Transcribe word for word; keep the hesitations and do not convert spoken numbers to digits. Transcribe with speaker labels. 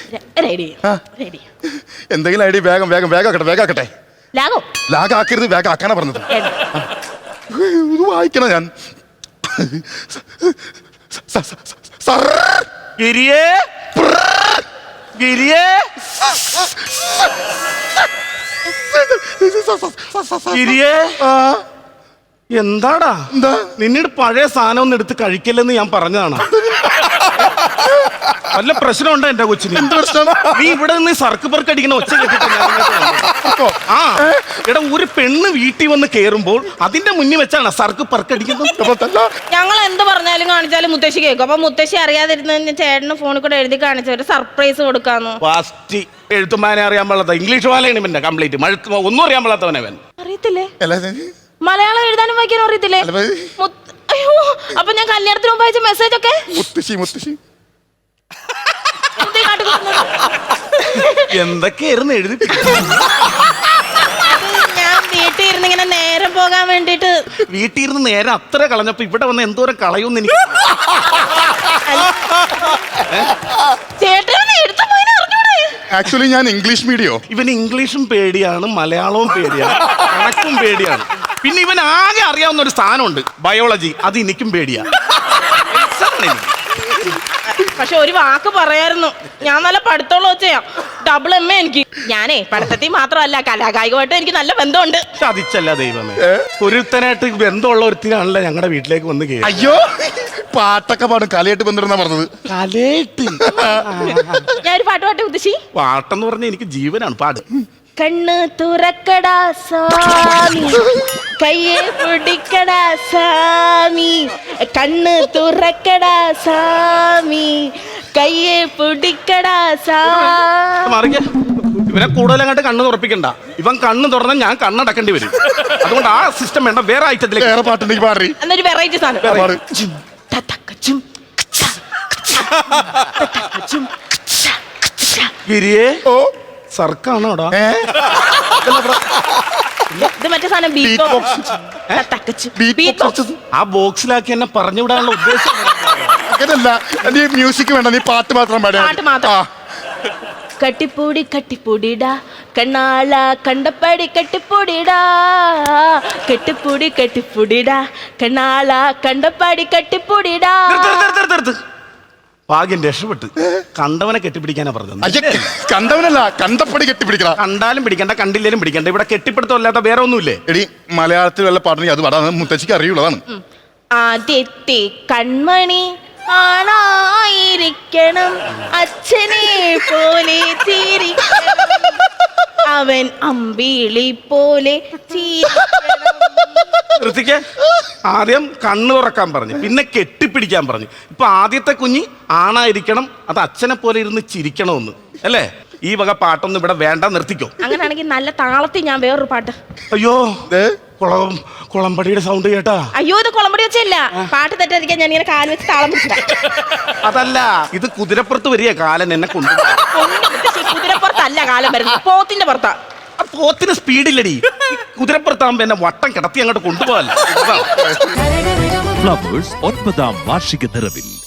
Speaker 1: Ready ready.
Speaker 2: എന്തെങ്കിലും idea വേഗം വേഗം വേഗാക്കട്ടെ വേഗാക്കട്ടെ.
Speaker 1: ലാഗോ
Speaker 2: ലാഗാക്കരുത്, വേഗാക്കാനാ പറഞ്ഞത്. ഇത് വായിക്കണം ഞാൻ.
Speaker 3: ഗിരിയേ ഗിരിയേ ഗിരിയേ എന്താടാ
Speaker 2: എന്താ
Speaker 3: നിന്നോട് പഴയ സാധനം ഒന്നും എടുത്ത് കഴിക്കല്ലെന്ന് ഞാൻ പറഞ്ഞതാണ്. വല്ല പ്രശ്നമുണ്ടോ എന്റെ കൊച്ചിന്?
Speaker 2: എന്ത് പ്രശ്നം?
Speaker 3: നീ ഇവിടെ നിന്ന് സർക്ക് പെർക്ക് അടിക്കുന്ന ഒച്ച കേട്ടിട്ട് ആ എടാ ഒരു പെണ്ണ് വീട്ടിൽ വന്ന് കേറുമ്പോൾ അതിന്റെ മുന്നിൽ വെച്ചാണ് സർക്ക് പെർക്ക് അടിക്കുന്നത്.
Speaker 1: ഞങ്ങൾ എന്ത് പറഞ്ഞാലും കാണിച്ചാലും മുത്തശ്ശി കേൾക്കും. അപ്പൊ മുത്തശ്ശി അറിയാതിരുന്ന ചേട്ടന് ഫോണിൽ കൂടെ എഴുതി കാണിച്ച ഒരു സർപ്രൈസ് കൊടുക്കാന്ന്.
Speaker 3: ഫാസ്റ്റ് എഴുത്തുമാനെ അറിയാൻ പാടാത്ത ഇംഗ്ലീഷ് വാലയാണ് ഇവന്റെ കംപ്ലീറ്റ് മഴ ഒന്നും അറിയാൻ പാടാത്തവനവൻ.
Speaker 1: അറിയത്തില്ലേ? മലയാളം എഴുതാനും വായിക്കാനും അറിയത്തില്ലേ? അയ്യോ, അപ്പൊ ഞാൻ കല്യാണത്തിന് മുമ്പ് അയച്ച മെസ്സേജ് ഒക്കെ
Speaker 2: മുത്തശ്ശി മുത്തശ്ശി
Speaker 3: എന്തൊക്കെയായിരുന്നു എഴുതി?
Speaker 1: ഞാൻ വീട്ടിൽ ഇരുന്ന് ഇങ്ങനെ നേരം പോകാൻ വേണ്ടിട്ട്.
Speaker 3: വീട്ടിൽ ഇരുന്ന് നേരം അത്ര കളഞ്ഞപ്പോ ഇവിടെ വന്ന് എന്തോരം കളയുമെന്ന് എനിക്ക്.
Speaker 1: ചേട്ടൻ എടുത്തു പോയി അറിഞ്ഞൂടെ?
Speaker 2: ആക്ച്വലി ഞാൻ ഇംഗ്ലീഷ് മീഡിയോ.
Speaker 3: ഇവൻ ഇംഗ്ലീഷും പേടിയാണ്, മലയാളവും പേടിയാണ്, കണക്കും പേടിയാണ്. പിന്നെ ഇവൻ ആകെ അറിയാവുന്ന ഒരു സ്ഥാനമുണ്ട്, ബയോളജി. അത് എനിക്കും പേടിയാ.
Speaker 1: പക്ഷെ ഒരു വാക്ക് പറയായിരുന്നു, ഞാൻ നല്ല പഠിത്തമുള്ള വെച്ചാ ഡബിൾ എം എ എനിക്ക്. ഞാനേ പഠിത്തത്തിൽ മാത്രമല്ല കലാകായികമായിട്ടും എനിക്ക് നല്ല ബന്ധമുണ്ട്.
Speaker 3: ചതിച്ചല്ല ദൈവമേ, ഒരുത്തനായിട്ട് ബന്ധമുള്ള ഒരുത്തിനാണല്ലോ ഞങ്ങളുടെ വീട്ടിലേക്ക് വന്ന് കേറി.
Speaker 2: അയ്യോ, പാട്ടൊക്കെ പാടും, കലയായിട്ട് ബന്ധപ്പെടുന്ന പറഞ്ഞത്.
Speaker 3: കലയായിട്ട്
Speaker 1: ഞാൻ ഒരു പാട്ട് പാട്ടെ മുത്തശ്ശി.
Speaker 3: പാട്ടെന്ന് പറഞ്ഞ എനിക്ക് ജീവനാണ്. പാട്.
Speaker 1: കണ്ണ് തുറക്കടാ സ്വാമി, കയ്യെ പിടിക്കടാ സ്വാമി, കണ്ണ് തുറക്കടാ സ്വാമി, കയ്യെ പിടിക്കടാ സ്വാമി.
Speaker 3: ഇവനെ കൂടുതൽ അങ്ങോട്ട് കണ്ണ് തുറപ്പിക്കണ്ട. ഇവൻ കണ്ണ് തുറന്നാൽ ഞാൻ കണ്ണടക്കേണ്ടി വരും. അതുകൊണ്ട് ആ സിസ്റ്റം വേണ്ട, വേറെ ഐറ്റത്തിലേക്ക്.
Speaker 2: വേറെ പാട്ടുണ്ടെങ്കിൽ പാടി.
Speaker 1: എന്നൊരു വെറൈറ്റി സാധനം.
Speaker 3: ഗിരിയേ ഓ സർക്കാണോടാ?
Speaker 1: ഇത് മറ്റേ സാധനം
Speaker 3: ആ ബോക്സിലാക്കി എന്നെ പറഞ്ഞുവിടാനുള്ള ഉദ്ദേശം
Speaker 2: അങ്ങനല്ല. നീ മ്യൂസിക് വേണ്ട, നീ പാട്ട് മാത്രം പാടി.
Speaker 1: പാട്ട് മാത്രം. കട്ടിപ്പൂടി കട്ടിപ്പൂടിടാ കണ്ണാള കണ്ടപ്പടി കട്ടിപ്പൂടിടാ, കെട്ടിപ്പൂടി കെട്ടിപ്പൂടിടാ കണ്ണാള കണ്ടപ്പടി കട്ടിപ്പൂടിടാ.
Speaker 3: ഭാഗ്യം രക്ഷപ്പെട്ട്. കണ്ടവനെ കെട്ടിപ്പിടിക്കാനാ പറഞ്ഞത്.
Speaker 2: കണ്ടവനല്ല, കണ്ടപ്പടി കെട്ടിപ്പിടിക്കണം.
Speaker 3: കണ്ടാലും പിടിക്കണ്ട, കണ്ടില്ലേലും പിടിക്കണ്ട. ഇവിടെ കെട്ടിപ്പിടുത്തല്ലാത്ത വേറെ ഒന്നുമില്ലേ?
Speaker 2: എടി, മലയാളത്തിൽ വല്ല പാട്ടുണ്ടെങ്കിൽ അത് പാടാ, മുത്തശ്ശിക്ക് അറിയുള്ളതാണ്.
Speaker 1: ആദ്യത്തെ കൺമണി ആണായിരിക്കണം, അച്ഛനെ പോലെ ചിരിക്കണം, അവൻ അമ്പിളി പോലെ
Speaker 3: ഋത്തിക്ക് ആദ്യം കണ്ണു തുറക്കാൻ പറഞ്ഞു, പിന്നെ കെട്ടിപ്പിടിക്കാൻ പറഞ്ഞു. ഇപ്പൊ ആദ്യത്തെ കുഞ്ഞി ആണായിരിക്കണം, അത് അച്ഛനെ പോലെ ഇരുന്ന് ചിരിക്കണമെന്ന് അല്ലേ? ഈ വക പാട്ടൊന്നും ഇവിടെ വേണ്ട, നിർത്തിക്കോ.
Speaker 1: അങ്ങനെയാണെങ്കിൽ നല്ല താളത്തിൽ ഞാൻ വേറൊരു പാട്ട്.
Speaker 3: അയ്യോ, കുളം കുളമ്പടിയുടെ സൗണ്ട് കേട്ടാ?
Speaker 1: അയ്യോ, ഇത് കുളമ്പടി വെച്ചല്ല, പാട്ട് തെറ്റാതിരിക്കാൻ ഞാൻ ഇങ്ങനെ കാല് വെച്ച് താളം പിടിച്ചില്ല.
Speaker 3: അതല്ല, ഇത് കുതിരപ്പുറത്ത് വരിക കാലൻ എന്നെ കൊണ്ടു.
Speaker 1: കുതിരപ്പുറത്തല്ല കാലം വരുന്നത്, പോത്തിന്റെ പുറത്താ.
Speaker 3: പോത്തിന് സ്പീഡില്ലടി. കുതിരപ്പുറത്താകുമ്പോ എന്നെ വട്ടം കിടത്തി അങ്ങോട്ട് കൊണ്ടുപോകല്ല.
Speaker 4: ഫ്ലവേഴ്സ് ഒൻപതാം വാർഷിക നിറവിൽ